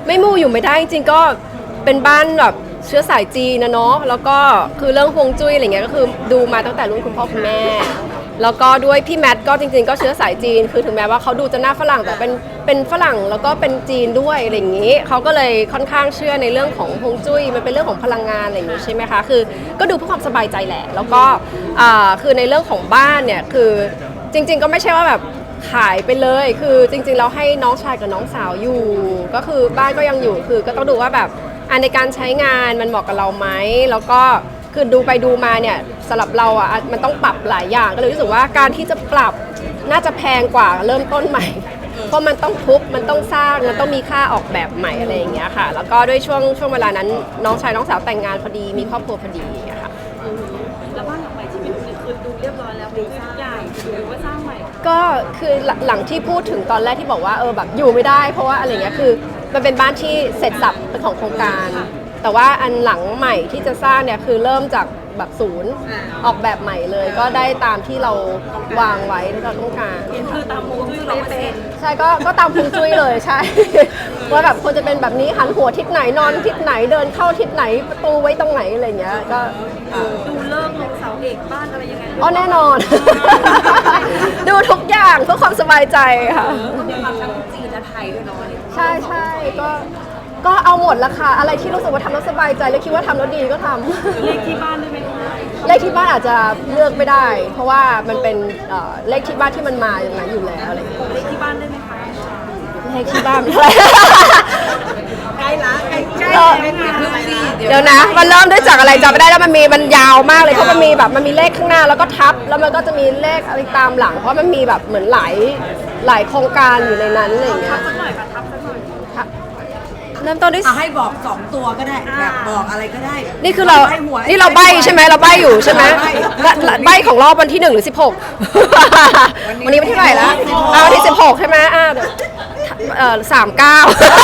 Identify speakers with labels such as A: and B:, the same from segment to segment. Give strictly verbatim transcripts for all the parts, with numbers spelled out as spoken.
A: ไม่มูอยู่ไม่ได้จริงๆก็เป็นบ้านแบบเชื้อสายจีนนะเนาะแล้วก็คือเรื่องฮวงจุ้ยอะไรเงี้ยก็คือดูมาตั้งแต่รุ่นคุณพ่อคุณแม่แล้วก็ด้วยพี่แมทก็จริงๆก็เชื้อสายจีนคือถึงแม้ว่าเขาดูจะหน้าฝรั่งแต่เป็นเป็นฝรั่งแล้วก็เป็นจีนด้วยอะไรอย่างนี้เขาก็เลยค่อนข้างเชื่อในเรื่องของฮวงจุ้ยมันเป็นเรื่องของพลังงานอะไรอย่างนี้ใช่ไหมคะคือก็ดูเพื่อความสบายใจแหละแล้วก็อ่าคือในเรื่องของบ้านเนี่ยคือจริงๆก็ไม่ใช่ว่าแบบขายไปเลยคือจริงๆเราให้น้องชายกับน้องสาวอยู่ก็คือบ้านก็ยังอยู่คือก็ต้องดูว่าแบบอันในการใช้งานมันเหมาะกับเราไหมแล้วก็คือดูไปดูมาเนี่ยสำหรับเราอ่ะมันต้องปรับหลายอย่างก็เลยรู้สึกว่าการที่จะปรับน่าจะแพงกว่าเริ่มต้นใหม่เพราะมันต้องทุบมันต้องสร้างมันต้องมีค่าออกแบบใหม่อะไรอย่างเงี้ยค่ะแล้วก็ด้วยช่วงช่วงเวลานั้นน้องชายน้องสาวแต่งงานพอดีมีครอบครัวพอดีอะค่ะ
B: แล้วบ้านหลังใหม่ที่เป็นคือดูเรียบร้อยแล้วเป็นทุกอย่างหรือว่าสร้างใหม่
A: ก็คือหลังที่พูดถึงตอนแรกที่บอกว่าเออแบบอยู่ไม่ได้เพราะว่าอะไรเงี้ยคือมันเป็นบ้านที่เสร็จสับเป็นของโครงการแต่ว่าอันหลังใหม่ที่จะสร้างเนี่ยคือเริ่มจากแบบศูนย์ออกแบบใหม่เลยก็ได้ตามที่เราวางไว้ที่เราต้องการ
B: คือตามฮวงจุ้ยร้อยเปอร์เซ็นต์
A: ใช่ก็ก็ตามฮวงจุ้ยเลยใช่ ว่าแบบควรจะเป็นแบบนี้หันหัวทิศไหนนอนทิศไหนเดินเข้าทิศไหนประตูไว้ตรงไหนอะไรเงี้ยก็
B: ดูเลิกลงเสาเอกบ้านอะไรยังไง
A: อ๋อแน่นอน ดูทุกอย่างเพื่อความสบายใจค่ะ
B: มีความทั้งจีนและไทยด้วยเนาะ
A: ใช่ใช่ก็ก็เอาหมดละค่ะอะไรที่รู้สึกว่าทำแล้วสบายใจและคิดว่าทำแล้วดีก็ทำ
B: เลขที่บ้านได้ไหม
A: เลขที่บ้านอาจจะเลือกไม่ได้ เพราะว่ามันเป็นเลขที่บ้านที่มันมาอย่างนั้นอยู่แล้วอะไร
B: เลขที่บ้านได้ไหมคะ
A: เลขที่บ้านเท่าไหร่
B: ใกล้ละใกล้ใกล้
A: เดี๋ยวนะมันเริ่มด้วยจากอะไรจำไม่ได้แล้วมันมีมันยาวมากเลยเพราะมันมีแบบมันมีเลขข้างหน้าแล้วก็ทับแล้วมันก็จะมีเลขอะไรตามหลังเพราะมันมีแบบเหมือนหลายหลายโครงการอยู่ในนั้นอะไรอย่างเงี้ย
B: ทับสักหน่อยค่ะทับสักหน่อย
A: เริ่มต้นด้วย
C: ให้บอกสองตัวก็ได้แบบบอกอะไรก็ได้
A: นี่คือเรานี่เราใบใช่ไหมเราใบอยู่ใช่ไหมใบของรอบวันที่หนึ่งหรือสิบหกวันนี้วันที่เท่าไหร่แล้วเอาวันที่สิบหกใช่ไหมอ่าเอ่อสามเก้า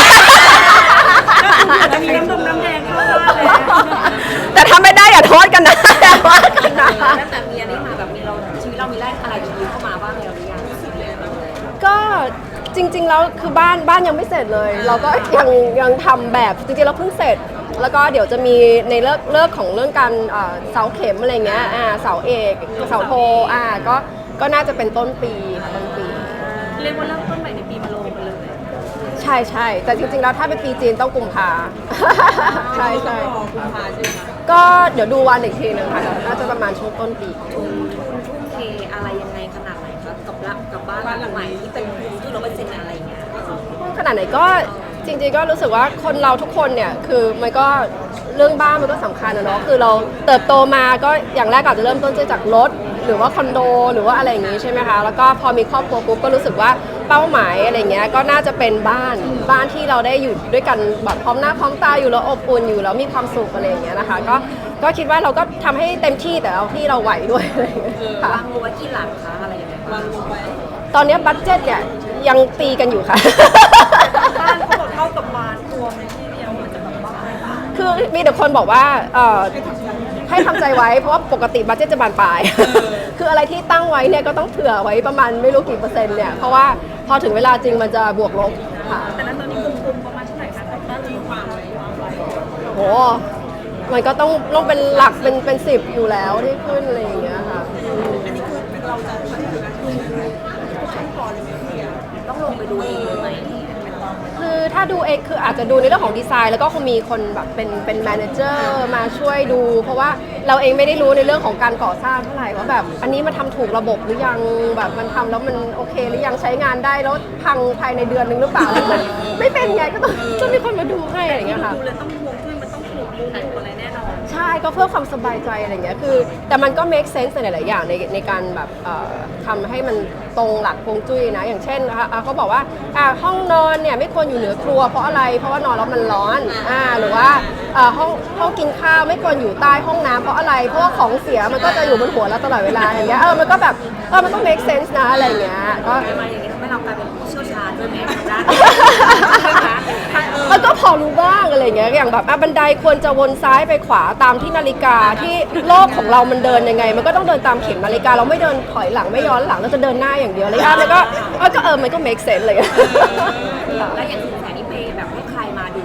B: มีน้ำดมน้ำแดงเข้ามาเลย
A: แต่ถ้าไม่ได้อย่าโทษกันนะอย่าโทษกันนะ
B: ตั้งแต่มีอันนี้มาแบบมีเราชีวิตเรามีแรกอะไรชีวิตเข้ามาบ้างแล้วหรือยัง
A: ก็จริงๆแล้วคือบ้านบ้านยังไม่เสร็จเลย เราก็ยังยังทำแบบจริงๆเราเพิ่งเสร็จแล้วก็เดี๋ยวจะมีในเลิกเลิกของเรื่องการเสาเข็มอะไรเงี้ยอ่าเสาเอกเสาโทอ่าก็ก็น่าจะเป็นต้นปีต้นปี
B: เรียกว่าเริ่มต้นใหม่ในปีมะโรงไปเลย
A: ใช่ใช่แต่จริงๆแล้วถ้าเป็นปีจีนต้องกุมภาใช่ใช่
B: กุมภาใช่ไหม
A: ก็เดี๋ยวดูวันอีกทีนึงค่ะน่าจะประมาณช่วงต้นปี
B: ทุ่มทุ่มเทอะไรยังไงขนาดไหนคะกับรับกับบ้านหลังใหม่ที่เป็นที่เราเป็นเซ็นอะไรเงี้ย
A: ขนาดไหนก็จริงๆก็รู้สึกว่าคนเราทุกคนเนี่ยคือมันก็เรื่องบ้านมันก็สำคัญนะเนาะคือเราเติบโตมาก็อย่างแรกอาจจะเริ่มต้นจากรถหรือว่าคอนโดหรือว่าอะไรอย่างงี้ใช่ไหมคะแล้วก็พอมีครอบครัวปุ๊บก็รู้สึกว่าเป้าหมายอะไรเงี้ยก็น่าจะเป็นบ้านบ้านที่เราได้อยู่ด้วยกันแบบพร้อมหน้าพร้อมตาอยู่แล้วอบอุ่นอยู่แล้วมีความสุขอะไรอย่างเงี้ยนะคะก็ก็คิดว่าเราก็ทำให้เต็มที่แต่เอาที่เราไหวด้วย
B: ค่ะวางไว้กี่หลังคะอะไรอย่างเงี้ยวางไว้
A: ตอนนี้บัดเจ็ตเนี่ยยังตีกันอยู่ค่ะ
B: บ้านเขาบอกเท่ากับบ้านรวมในที่เดียวมันจะแบบบ้าน
A: คือมีแต่คนบอกว่าเอ่อให้ทำใจไว้เพราะว่าปกติบัดเจ็ตจะบานปลายคืออะไรที่ตั้งไว้เนี่ยก็ต้องเผื่อไว้ประมาณไม่รู้กี่เปอร์เซ็นต์เนี่ยเพราะว่าพอถึงเวลาจริงมันจะบวกลบค่ะ
B: แต่นั้นตอนนี้คุมๆประมาณเท่าไหร่คะบ้านที่วางไว้วางไว้
A: โหมันก็ต้องต้องเป็นหลักเป็นเป็นสิบอยู่แล้วที่ขึ้นอะไรอย่างเงี้ยค่ะ
B: อันนี้คือเราจะทำงานขั้นตอนเลยไหมต้องลงไปดูเองเลยไหม
A: คือถ้าดูเองคืออาจจะดูในเรื่องของดีไซน์แล้วก็คงมีคนแบบเป็นเป็นแมเนเจอร์มาช่วยดูเพราะว่าเราเองไม่ได้รู้ในเรื่องของการก่อสร้างเท่าไหร่ว่าแบบอันนี้มันทำถูกระบบหรือยังแบบมันทำแล้วมันโอเคหรือยังใช้งานได้แล้วพังภายในเดือนนึงหรือเปล่าไม่เป็นไงก็ต้องต้องมีคนมาดูให้อะไรอย่างเงี้ยค่ะ
B: ดูเลยต้องห่วงด้วยมันต้องถูกมุมอะไรแน่นอน
A: ใช่ก็เพื่อความสบายใจอะไรอย่างเงี้ยคือแต่มันก็ make sense ในหลายๆอย่างในในการแบบทำให้มันตรงหลักฮวงจุ้ยนะอย่างเช่นนะคะเขาบอกว่าห้องนอนเนี่ยไม่ควรอยู่เหนือครัวเพราะอะไรเพราะว่านอนแล้วมันร้อนอ่าหรือว่าห้องห้องกินข้าวไม่ควรอยู่ใต้ห้องน้ำเพราะอะไรเพราะว่าของเสียมันก็จะอยู่บนหัวเราตลอดเวลาอย่างเงี้ยเออมันก็แบบเออมันต้อง make sense นะอะไรอย่างเงี้ยก็
B: มาอย่างเงี้ยทำให้เรากลายเป็นผู้เชี่ยวชาญด้วยไหมด้าน
A: มันก็พอรู้บ้างอะไรอย่างเงี้ยอย่างแบบบันไดควรจะวนซ้ายไปขวาตามที่นาฬิกาที่โลกของเรามันเดินยังไงมันก็ต้องเดินตามเข็มนาฬิกาเราไม่เดินถอยหลังไม่ย้อนหลังเราจะเดินหน้าอย่างเดียวเลยอ่ะแล้วก็ก็เออมันก็ make sense เลย
B: แล้วอย่างสินแสนี่เปย์แบบให้ใครมาดู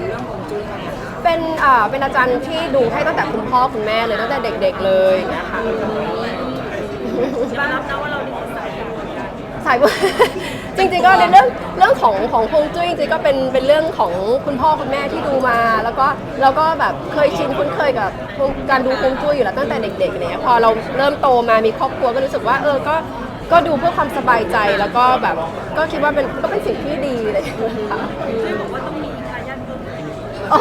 A: เป็นอ่าเป็นอาจารย์ที่ดูให้ตั้งแต่คุณพ่อคุณแม่เลยตั้งแต่เด็กๆเลยอย่างเงี้ยค่ะ
B: ยอมรับนะว่าเราดีสาย
A: สายบุญ จริงๆก็ในเรื่องเรื่องของของฮวงจุ้ยจริงๆก็เป็นเป็นเรื่องของคุณพ่อคุณแม่ที่ดูมา แล้วก็เราก็แบบเคยชินคุ้นเคยกับการดูฮวงจุ้ยอยู่แล้วตั้งแต่เด็กๆเนี่ยพอเราเริ่มโตมามีครอบครัวก็รู้สึกว่าเออก็ก็ดูเพื่อความสบายใจแล้วก็แบบก็คิดว่าเป็นก็เป็นสิ่งที่ดีเลยค่ะ
B: ช่วยบอกว่าต้องมีทายาทเพิ่ม
A: อ๋อ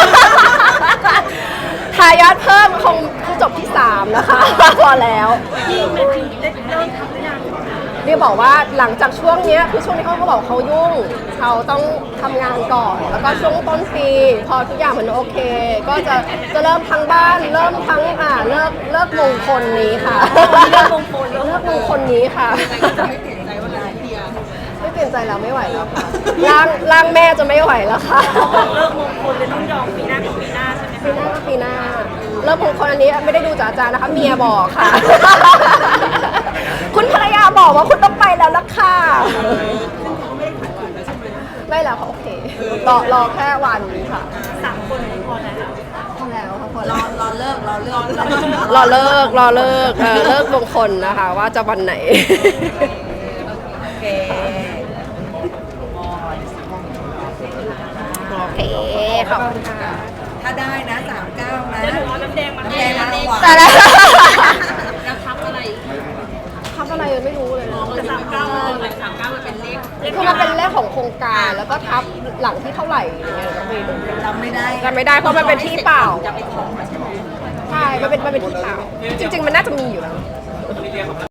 A: ทายาทเพิ่มคงคงจบที่สามนะคะ พอแล้ว
B: ที่แมทธิวได้เริ่มทำหรือยัง
A: เรียกบอกว่าหลังจากช่วงเนี้ยคือช่วงนี้เขาเขาบอกเขายุ่งเขาต้องทำงานก่อน แล้วก็ช่วงต้นปีพอทุกอย่างมันโอเค ก็จะจะเริ่มทั้งบ้าน เริ่มทั้งอ่าเลิกเลิกมงคลนี้ค่ะ
B: เลิกมงคล
A: เลิกมงคลนี้ค่ะ
C: ไม่เปลี่ยนใจว่าอะไรเดีย
A: ไม่เปลี่ยนใจแล้วไม่ไหวแล้วค่ะร่างร่างแม่จะไม่ไหวแล้วค่ะ
B: เลิกมงคลเลยต้องยอมปีหน้ากับปีหน้าใช่ไหม
A: ปีหน้าก็ปีหน้าเริ่มมงคลอันนี้ไม่ได้ดูจากอาจารย์นะคะเมียบอกค่ะ คุณภรรยาบอกว่าคุณต้องไปแล้วล่ะค่ะไม่แล้วค่ะโอเครอรอแค่วันค่ะ
B: สามคนพอแล้ว
A: พอแล้วค่ะพอ
C: ร
A: แล้
C: อ
A: ว
C: รอเลิกรอเลิก
A: รอเลิกรอเลิกเออเลิกมงคลนะคะ ว่าจะวันไหน
C: โอเค
A: โอเคขอบคุณค่ะ
C: ถ้าได้นะสามเก้านะ
B: เดี๋ยวหนูเอาน้ำแดงมา
C: น้ำ
B: ให้
C: แดงมาหวาน
A: แต่ละ
B: แล้วทับอะไร
A: ทำอะไรไม่รู้เลยนะ
B: สามเก้าเลยสามเก้ามันเป็นเลข
A: คือมันเป็นเลขของโครงการแล้วก็ทับหลังที่เท่าไหร่อย่างเงี้ยเราไม่รู้
C: จำไม่ได้
A: จำไม่ได้เพราะมันเป็นที่เปล่า
B: จะไปขอใช่ไหม
A: ใช่ มันเป็นมันเป็นที่เปล่า จริง ๆ มันน่าจะมีอยู่แล้ว